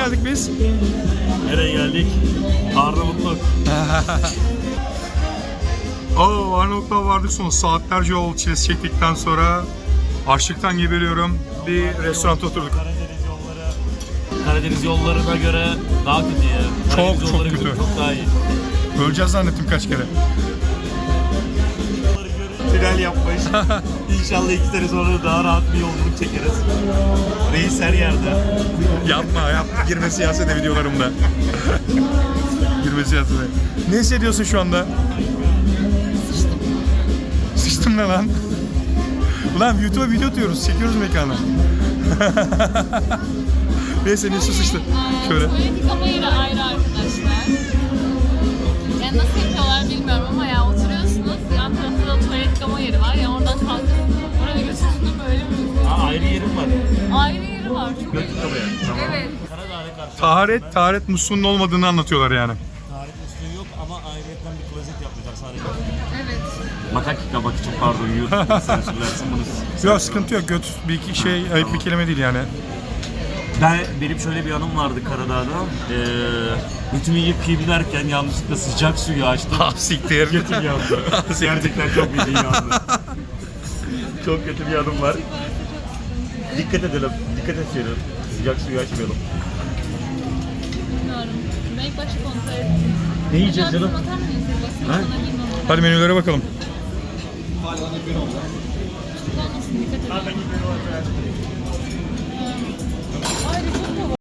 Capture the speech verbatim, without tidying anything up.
geldik biz? Nereye geldik? Arnavutluk. Oo, Arnavutluğa vardık sonra saatlerce yol çilesi çektikten sonra açlıktan geberiyorum. Bir restoranda oturduk. Karadeniz yolları Karadeniz yollarına göre daha kötü ya. Çok, Karadeniz çok yolları kötü. Çok daha iyi. Öleceğiz zannettim kaç kere. Tünel yapmış. İnşallah iki sene sonra daha rahat bir yolculuk çekeriz. Reis her yerde. Yapma yapma, girme siyasete videolarımda. Girme siyasete. Ne hissediyorsun şu anda? Sıçtım. Sıçtım ne lan? Ulan YouTube'a video atıyoruz, çekiyoruz mekanı. Neyse ne su sıçtı. Şöyle. Tuvalet yıkama yeri ayrı arkadaşlar. Yani nasıl yapıyorlar bilmiyorum ama ya oturuyorsunuz, yan tarafta da tuvalet yıkama yeri var ya, oradan kalkıp oraya götürdüm böyle bir... Aa, ayrı yerim var. Ayrı yeri var. Çok Götür kabaya. Tamam. Evet. Karadağ'a karşı. Taharet, taharet musluğunun olmadığını anlatıyorlar yani. Taharet musluğu yok ama ayrıyetten bir klozet yapmışlar sadece. Evet. Makak yıkamak için pardon YouTube sansürlersin bunu. Yok sıkıntı yok, göt bir iki şey ayıp bir kelime değil yani. Ben, benim şöyle bir anım vardı Karadağ'da. Ee, götümü yıkayayım derken yanlışlıkla sıcak suyu açtım. Ha siktir. Götüm yandı. Gerçekten çok bildiğin yandı. Çok kötü bir anım var. Dikkat edelim. Dikkat edelim. Sıcak suyu açmayalım. Bilmiyorum. Ben ilk başta kontrol ettim. Ne yiyeceğiz Acaba canım? bizim atar mıyız? Basın Ha? sana bilmem. Hadi menülere bakalım. Olmasın, dikkat edin.